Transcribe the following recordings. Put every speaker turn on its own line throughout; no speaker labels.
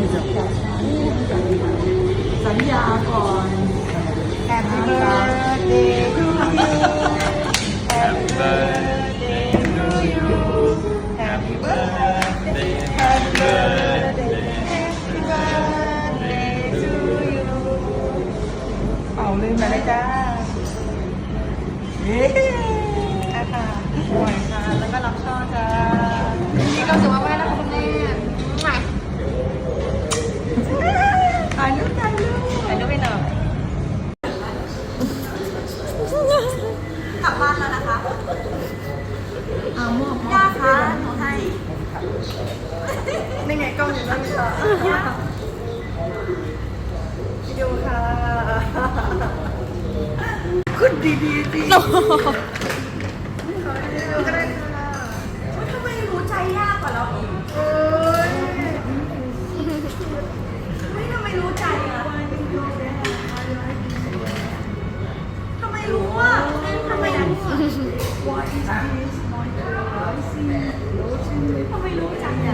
สัญญาก่อน Happy birthday to you Happy birthday to you Happy birthday Happy birthday Happy birthday to you เอาลืมไปเลยจ้าเย้ค่ะปล่อยค่ะแล้วก็รับช่อจ้า
มีความสุขมากๆนะคะคุณแม่มา
ถ่ายรูป
ถ่ายรูปไปหน่อย
กลับบ้านแล้วนะคะ
เอามอบ
ย่าคะหนูให้
นี่ไงกล้องอยู่นั่นค่ะวิดีโอค่ะขึ้นดีๆดีก็ได้ค่ะ
ทำไมรู้ใจยากกว่าเราอีก
เอ้ย
ไม่ทำไมรู้ใจอ่ะทำไมรู้อ่ะทำไมรู้อ่ะทำไมรู้ใจอ่ะ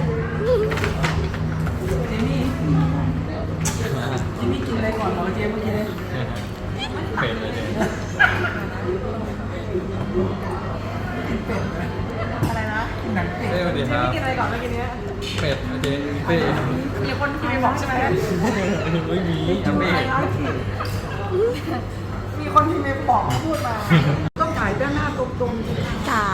เจมี่กินอะไรก่อนเหรอเจมเมื่อกี้เลย
เป็นเลยเนี่ย
อะไรนะกินหนังเป็ด
เต้สวัสดีครับ
กินอะไรก่อนเมื่อกี้เนี้ย
เป็ดเจ๊เต้
มีคนพิมพ์ไปบอกใช่ไหม
ไม่มีอันเต้
มีคนพิมพ์ไปบอกพูดมาต้องถ่ายด้านหน้าตรงๆ
จ๋า